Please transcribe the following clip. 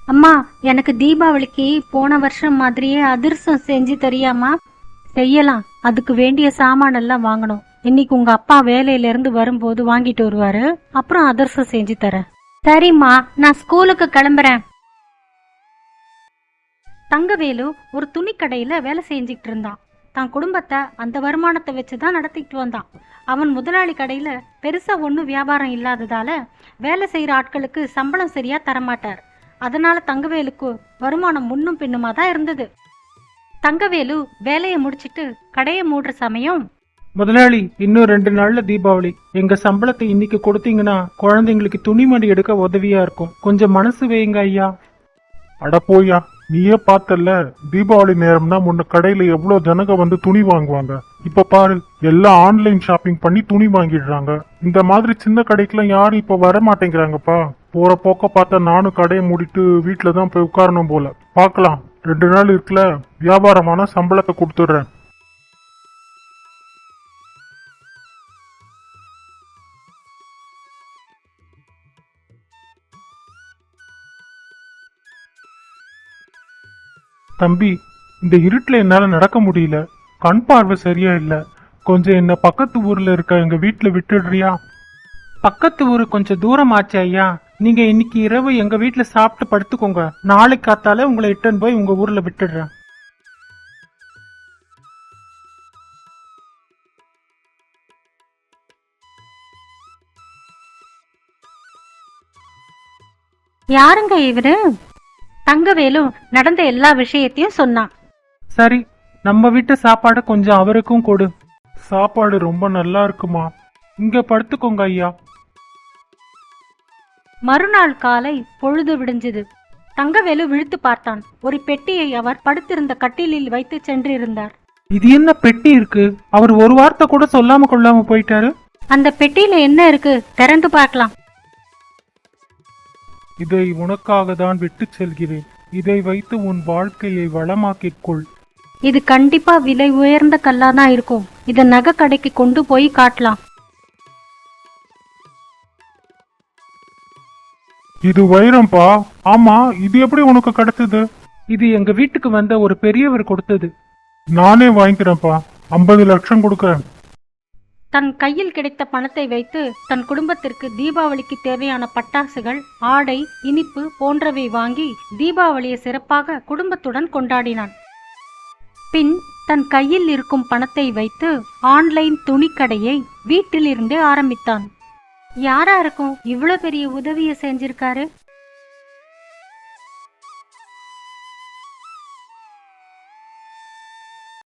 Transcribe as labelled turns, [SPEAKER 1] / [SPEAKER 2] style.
[SPEAKER 1] அம்மா, எனக்கு தீபாவளிக்கு போன வருஷம் மாதிரியே அதிரசம் செஞ்சு தரியாமா? செய்யலாம். அதுக்கு வேண்டிய சாமான் எல்லாம் வாங்கணும். இன்னைக்கு உங்க அப்பா வேலையில இருந்து வரும்போது வாங்கிட்டு வருவாரு. அப்புறம் அதிரசம் செஞ்சு தரேன். சரிம்மா, நான் ஸ்கூலுக்கு கிளம்புறேன். தங்கவேலு ஒரு துணி கடையில வேலை செஞ்சுக்கிட்டு இருந்தான். தான் குடும்பத்தை அந்த வருமானத்தை வச்சுதான் நடத்திக்கிட்டு வந்தான். அவன் முதலாளி கடையில பெருசா ஒன்றும் வியாபாரம் இல்லாததால வேலை செய்யற ஆட்களுக்கு சம்பளம் சரியா தரமாட்டார். அதனால தங்கவேலுக்கு வருமானம் முன்னும் பின்னுமா தான் இருந்தது. தங்கவேலு வேலையை முடிச்சிட்டு கடையை மூடுற சமயம்,
[SPEAKER 2] முதலாளி, இன்னும் 2 நாள்ல தீபாவளி. எங்க சம்பளத்தை இன்னைக்கு கொடுத்தீங்கன்னா குழந்தைங்களுக்கு துணிமணி எடுக்க உதவியா இருக்கும். கொஞ்சம் மனசு வைங்க ஐயா.
[SPEAKER 3] அட போயா, நீயே பார்த்தல்ல, தீபாவளி நேரம்னா முன்ன கடையில எவ்வளவு ஜனங்க வந்து துணி வாங்குவாங்க. இப்ப பாரு, எல்லாம் ஆன்லைன் ஷாப்பிங் பண்ணி துணி வாங்கிடுறாங்க. இந்த மாதிரி சின்ன கடைக்கெல்லாம் யாரும் இப்ப வர மாட்டேங்கிறாங்கப்பா. போற போக்க பார்த்தா நானும் கடையை மூடிட்டு வீட்டுலதான் போய் உட்காரணும் போல. பாக்கலாம், 2 நாள் இருக்குல்ல, வியாபாரமான சம்பளத்தை கொடுத்துடுறேன். தம்பி, இந்த இருட்டுல என்னால நடக்க முடியல. கண் பார்வை சரியா இல்ல. கொஞ்சம் என்ன பக்கத்து ஊர்ல இருக்க எங்க வீட்டுல விட்டுடுறியா?
[SPEAKER 2] பக்கத்து ஊரு கொஞ்சம் தூரம் ஆச்சு ஐயா. நீங்க இன்னைக்கு இரவு எங்க வீட்டுல சாப்பிட்டு படுத்துக்கோங்க. நாளைக்கு காத்தால உங்களை இட்டுன்னு போய் உங்க ஊர்ல விட்டுடுறேன்.
[SPEAKER 1] யாருங்க இவரு? தங்கவேலு நடந்த எல்லா விஷயத்தையும் சொன்னான்.
[SPEAKER 2] சரி, நம்ம வீட்டு சாப்பாடு கொஞ்சம் அவருக்கும் கொடு.
[SPEAKER 3] சாப்பாடு ரொம்ப நல்லா இருக்குமா?
[SPEAKER 2] இங்க படுத்துக்கோங்க ஐயா.
[SPEAKER 1] மறுநாள் காலை பொழுது விடிஞ்சது. தங்கவேலு விழித்து பார்த்தான். ஒரு பெட்டியை அவர் படுத்திருந்த கட்டிலில் வைத்து சென்றிருந்தார்.
[SPEAKER 2] இது என்ன பெட்டி இருக்கு? அவர் ஒரு வார்த்தை கூட சொல்லாம கொள்ளாம போயிட்டாரு.
[SPEAKER 1] அந்த பெட்டியில என்ன இருக்கு? திறந்து பார்க்கலாம்.
[SPEAKER 3] இதை உனக்காக தான் விட்டு செல்கிறேன். இதை வைத்து உன் வாழ்க்கையை வளமாக்கிக் கொள்.
[SPEAKER 1] இது கண்டிப்பா விலை உயர்ந்த கல்லா தான் இருக்கும். இத நகை கடைக்கு கொண்டு போய் காட்டலாம்.
[SPEAKER 3] இது வைரம்பா. ஆமா, இது எப்படி உனக்கு கிடைச்சது?
[SPEAKER 2] இது எங்க வீட்டுக்கு வந்த ஒரு பெரியவர் கொடுத்தது.
[SPEAKER 3] நானே வாங்கிக்கிறேன்ப்பா. 50 லட்சம் கொடுக்கறேன்.
[SPEAKER 1] தன் கையில் கிடைத்த பணத்தை வைத்து தன் குடும்பத்திற்கு தீபாவளிக்கு தேவையான பட்டாசுகள், ஆடை, இனிப்பு போன்றவை வாங்கி தீபாவளியை சிறப்பாக குடும்பத்துடன் கொண்டாடினான். பின் தன் கையில் இருக்கும் பணத்தை வைத்து ஆன்லைன் துணிக்கடையை வீட்டில் இருந்தே ஆரம்பித்தான். யாரா இருக்கும் இவ்வளவு பெரிய உதவியை செஞ்சிருக்காரு?